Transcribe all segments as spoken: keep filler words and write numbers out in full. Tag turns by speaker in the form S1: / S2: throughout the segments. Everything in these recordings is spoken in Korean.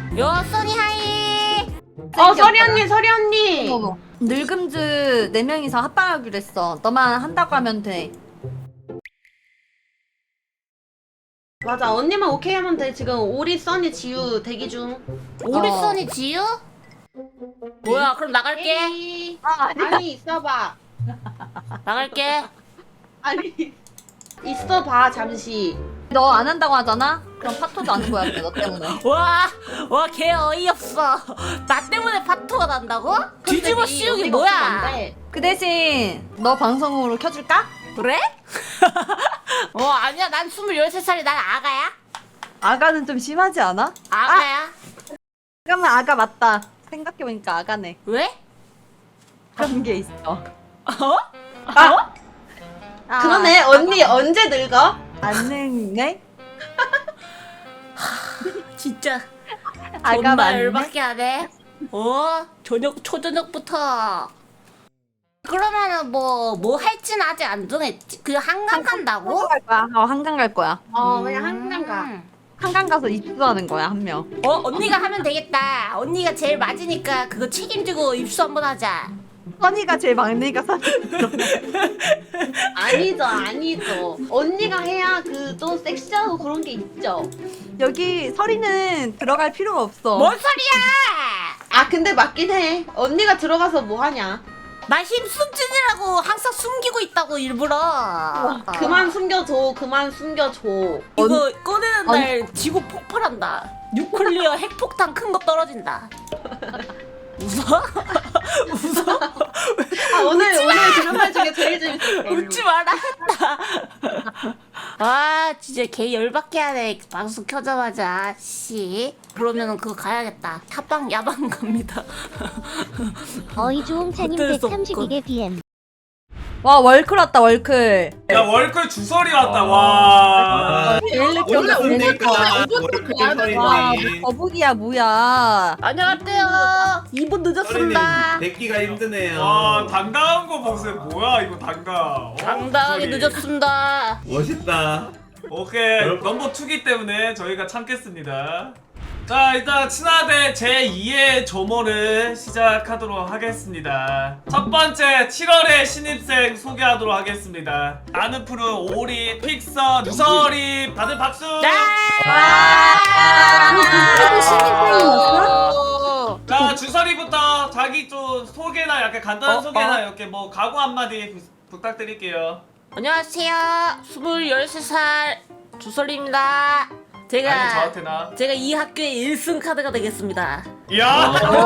S1: 요 써니 하이.
S2: 어 서리 언니 서리 언니.
S3: 어머. 늙음즈 네 명이서 합방하기로 했어. 너만 한다고 하면 돼.
S2: 맞아 언니만 오케이 하면 돼. 지금 오리 써니 지우 대기 중.
S1: 우리
S3: 어.
S1: 써니 지유? 뭐야 그럼 나갈게.
S2: 에이.
S3: 아, 아니.
S2: 아니 있어봐.
S1: 나갈게.
S2: 아니 있어봐 잠시.
S3: 너 안 한다고 하잖아? 그럼 파토도 안 거야, 너 때문에.
S1: 와와 걔 어이없어. 나 때문에 파토가 난다고? 뒤집어 씌우기 뭐야?
S3: 그 대신 너 방송으로 켜줄까?
S1: 그래? 어 아니야 난 스물여섯 살이 난 아가야.
S3: 아가는 좀 심하지 않아?
S1: 아가야.
S3: 잠깐만, 아가 맞다. 생각해보니까 아가네.
S1: 왜?
S3: 그런 게 있어.
S1: 어?
S2: 아
S3: 아,
S2: 그러네 언니 언제 늙어?
S3: 안 늙네?
S1: 진짜
S3: 아가
S1: 존나
S3: 맞네?
S1: 열받게 하네. 어? 저녁 초저녁부터. 그러면은 뭐 뭐 할지는 아직 안 정했지. 그 한강 간다고?
S3: 한강 갈 거야. 어, 한강 갈 거야.
S2: 어 그냥 한강 가.
S1: 음.
S3: 한강 가서 입수하는 거야, 한 명.
S1: 어 언니가 하면 되겠다. 언니가 제일 맞으니까 그거 책임지고 입수 한번 하자.
S3: 선이가 제일 막내니까 선이.
S2: 아니죠 아니죠. 언니가 해야 그 또 섹시하고 그런 게 있죠.
S3: 여기 설이는 들어갈 필요가 없어.
S1: 뭔 소리야?
S2: 아 근데 맞긴 해. 언니가 들어가서 뭐 하냐?
S1: 나 힘 숨지느라고 항상 숨기고 있다고 일부러. 어.
S2: 그만 숨겨줘 그만 숨겨줘.
S1: 이거 꺼내는 날 지구 폭발한다. 뉴클리어 핵폭탄 큰 거 떨어진다. 웃어? 웃어?
S2: 아 오늘 오늘 들은 말 중에 제일 재밌었어.
S1: 웃지 마라 했다. 아 진짜 개 열받게 하네. 방송 켜자마자 씨. 그러면은 그거 가야겠다. 합방 야방 갑니다.
S4: 어이조옹차님
S1: 어쩔 수
S4: 백삼십이 개 비엠.
S3: 와, 월클 왔다, 월클.
S5: 야 월클 주설이 왔다 와.
S3: 제일 늦게
S6: 원래
S3: 온다, 제일 늦게.
S6: 오니까 월클
S3: 와,
S6: 서리님
S3: 거북이야, 뭐야.
S1: 안녕하세요. 이 분 늦었습니다.
S6: 뵙기가 힘드네요.
S5: 와 당당한 거 보세요. 뭐야 이거 당당. 어?
S1: 당당하게
S5: 주설이.
S1: 늦었습니다.
S6: 멋있다.
S5: 오케이 넘버 투기 때문에 저희가 참겠습니다. 자 일단 친화대 제이의 조모를 시작하도록 하겠습니다. 첫 번째 칠월의 신입생 소개하도록 하겠습니다. 나는 푸른 오리, 픽서, 누설이 다들 박수! 자 주설이부터 자기 좀 소개나 약간 간단한
S1: 어,
S5: 소개나
S1: 어.
S5: 이렇게 뭐 각오 한마디 부, 부탁드릴게요.
S1: 안녕하세요. 스물열세 살 주설입니다. 제가
S5: 아니 저한테나.
S1: 제가 이 학교의 일 승 카드가 되겠습니다.
S5: 이야!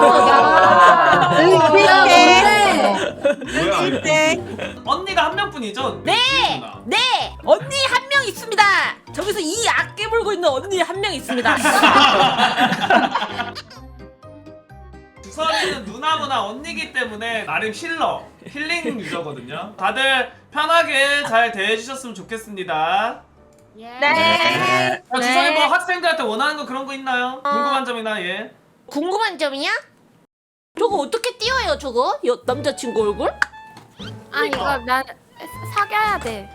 S6: 뭐야?
S3: 네.
S5: 언니가 한 명뿐이죠?
S1: 네!
S5: 지은아.
S1: 네! 언니 한 명 있습니다! 저기서 이 악깨 물고 있는 언니 한 명 있습니다.
S5: 주설이는 누나보다 언니기 때문에 나름 힐러, 힐링 유저거든요. 다들 편하게 잘 대해주셨으면 좋겠습니다.
S3: 네.
S5: 어, 주설이 뭐 학생들한테 원하는 거 그런 거 있나요? 궁금한 점이나 예.
S1: 궁금한 점이야? 저거 어떻게 띄워요 저거? 여, 남자친구 얼굴?
S7: 아 이거 나 사귀어야 돼.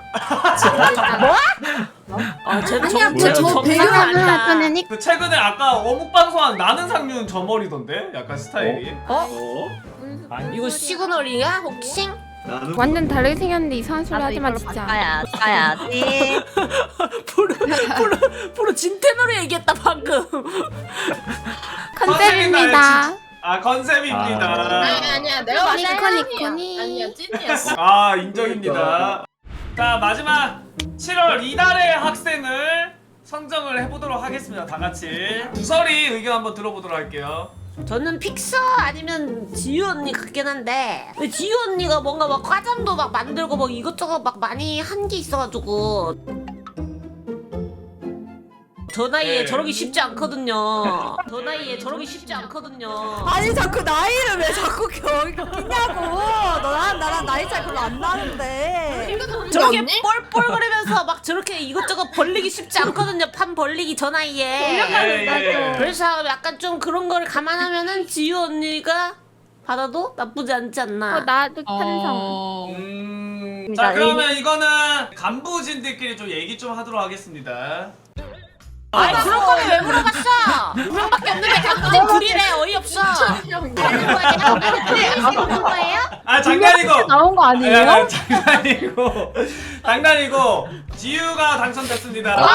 S1: 아 쟤는
S7: 아니야,
S1: 정, 쟤는
S7: 저
S1: 정상이
S7: 배경화면 할
S1: 아니다.
S7: 거는
S5: 그 최근에 아까 어묵 방송한 나는 상류는 저 머리던데? 약간 스타일이.
S1: 어?
S6: 어?
S1: 이거 시그널이야 혹시?
S6: 나는
S7: 완전 다르게 생겼는데 이상한 소리 하지 마 진짜.
S3: 가야, 가야지.
S1: 프로 프로 프로 진텐으로 얘기했다 방금.
S7: 컨셉입니다.
S5: 아 컨셉입니다.
S6: 아,
S8: 아니야 내가
S7: 니코 니코니.
S8: 아니야 찐이야.
S5: 아 인정입니다. 자 마지막 칠월 이달의 학생을 선정을 해보도록 하겠습니다. 다 같이 주설이 의견 한번 들어보도록 할게요.
S1: 저는 픽서 아니면 지유 언니 같긴 한데 근데 지유 언니가 뭔가 막 과잠도 막 만들고 막 이것저것 막 많이 한 게 있어가지고 저 나이에
S5: 네.
S1: 저러기 쉽지 않거든요. 저 나이에 저러기 쉽지 않거든요.
S3: 아니, 자꾸 나이를 왜 자꾸 겨기냐고. 너랑 나랑 나이 차이 별로 안 나는데.
S1: 저렇게 뻘뻘거리면서 막 저렇게 이것저것 벌리기 쉽지 않거든요. 판 벌리기 저 나이에.
S5: 예, 예.
S1: 그래서 약간 좀 그런 걸 감안하면은 지유 언니가 받아도 나쁘지 않지 않나.
S7: 어 나도 찬성.
S5: 음... 자 그러면 이거는 간부진들끼리 좀 얘기 좀 하도록 하겠습니다.
S1: 아니 그럴 거면 왜 물어봤어? 두 명밖에 없는데 당근이 둘이래 어이없어.
S2: 없는 거예요?
S5: 아 장난이고.
S7: 나온 거
S5: 야,
S7: 아니에요?
S5: 야, 장난이고. 장난이고. 지유가 당첨됐습니다.
S1: 와.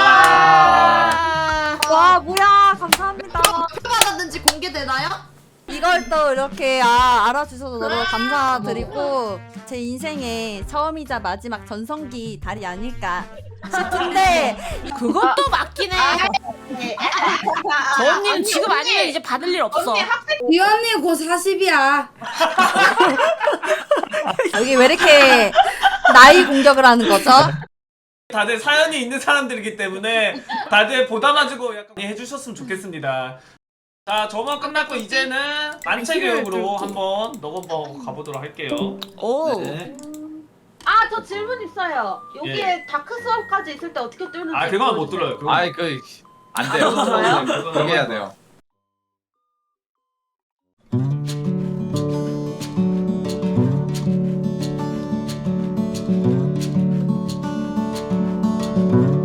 S3: 와 뭐야 감사합니다.
S2: 받았는지 공개되나요?
S3: 이걸 또 이렇게 아, 알아주셔서 너무 감사드리고 제 인생의 처음이자 마지막 전성기 달이 아닐까 싶은데
S1: 그것도 맞긴 해. 저 언니는 지금 아니면 이제 받을 일 없어.
S4: 이 언니 곧 사십이야.
S3: 여기 왜 이렇게 나이 공격을 하는 거죠?
S5: 다들 사연이 있는 사람들이기 때문에 다들 보다 가지고 약간 해주셨으면 좋겠습니다. 자, 저번 끝났고 이제는 만체 교육으로 한번 넘어가 가보도록 할게요.
S1: 오.
S6: 네.
S2: 아, 저 질문 있어요. 여기에
S5: 예.
S2: 다크 수업까지 있을 때 어떻게 뚫는지.
S5: 아, 그건 못 들어요. 그건.
S8: 아이 그 안 돼요.
S2: 들어요?
S8: 그렇게 해야 돼요.
S6: 네.